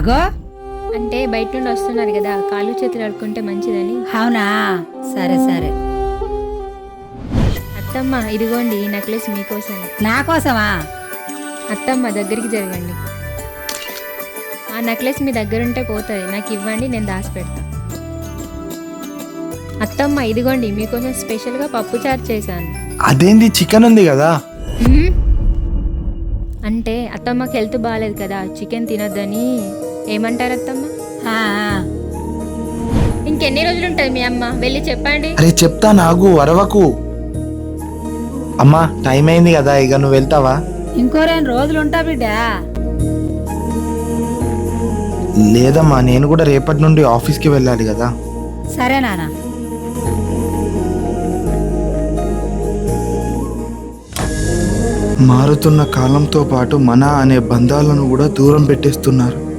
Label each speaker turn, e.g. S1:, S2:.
S1: అగో
S2: అంటే బయట నుండి వస్తున్నారు కదా, కాళ్ళు చేతులు అడుక్కుంటే మంచిదని.
S1: అవునా, సరే సరే.
S2: అత్తమ్మ ఇదిగోండి ఈ నెక్లెస్ మీకోసం.
S1: నా కోసమా?
S2: అత్తమ్మ దగ్గరికి జరగండి. ఆ నెక్లెస్ మీ దగ్గర ఉంటే పోతుంది, నాకు ఇవ్వండి, నేను దాచిపెడతా. అత్తమ్మ ఇదిగోండి మీకోసం స్పెషల్గా పప్పు చారు చేశాను.
S3: అదేంది, చికెన్ ఉంది కదా?
S2: హ్మ్? అంటే అత్తమ్మకి హెల్త్ బాగాలేదు కదా, చికెన్ తినొద్దని. ఏమంటారు అత్తమ్మ?
S1: ఆ,
S2: ఇంకెన్ని రోజులు ఉంటుంది మీ అమ్మ? వెళ్ళి చెప్పండి.
S3: అరే చెప్తా, నాగు అరవకు. అమ్మా టైం అయింది కదా, ఇక నువ్వు వెళ్తావా?
S1: ఇంకో 2 రోజులు ఉంటా బిడ్డ.
S3: లేదమ్మా, నేను కూడా రేపటి నుండి ఆఫీస్కి వెళ్ళాలి కదా.
S1: సరే నాన్న.
S3: మారుతున్న కాలంతో పాటు మన అనే బంధాలను కూడా దూరం పెట్టేస్తున్నారు.